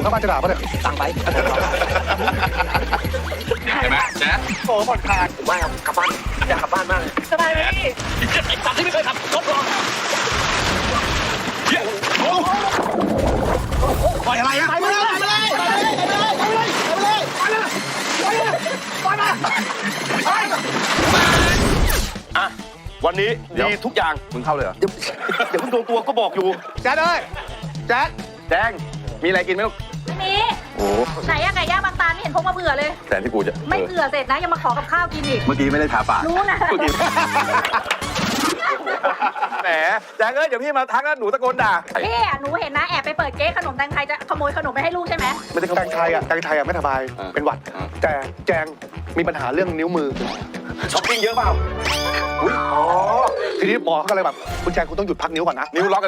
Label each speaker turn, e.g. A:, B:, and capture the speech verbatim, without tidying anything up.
A: ข้างบ้านจะด่าปะเนี่ย
B: ตังไป
C: ใช่ไหมแจ๊ด
A: โอ้ผ่อนคลาย
B: ผมว่ากลับบ้านอยากกลับบ้านมากเลย
D: สบายไหมพี่
B: ไอ้สัตว์ที่ไม่เคยขับรถหรอก
A: ปล่อยอะไรอะ
B: ไปเลยไปเลยไปเลยไปเลยไปเลยไปเลยไปเลยไปเลยไปเลย
E: อ่ะวันนี้ดีทุกอย่าง
A: มึงเข้าเลยเหรอ
E: เดี๋ยวเดี๋ยวคุณตัวตัวก็บอกอยู่
A: แจ๊ดเอ้ยแจ๊ด
E: แดงมีอะไรกินไหมลูก
D: ไม่มี
A: โอ้
D: ไหนอะไก่ย่างบางตาไม่เห็นพกมาเผื่อเลย
A: แต่ที่กูจะ
D: ไม่เผื่อเสร็จนะยังมาขอกับข้าวกินอีก
A: เมื่อกี้ไม่ได้ทาปาก
D: รู้นะ
E: แหมแดงเอ้ยเดี๋ยวพี่มาทักแล้วหนูตะโกนด่า
D: พี่อะหนูเห็นนะแอบไปเปิดเก๊ขนมแตงไทยจะขโมยขนมไปให้ลูกใช่ไหม
A: ไม่ได้แตงไทยอ่ะแตงไทยอ่ะไม่สบาย
E: อ่า
A: เป็นหวัด
E: อ่า
A: แต่แจงมีปัญหาเรื่องนิ้วมือ
E: ช้อปปิ้งเยอะเปล่า
A: อุ๊ยอ๋อทีนี้หมอเขาก็เลยแบบคุณแจงคุณต้องหยุดพักนิ้วก่อนนะ
E: นิ้วล็อก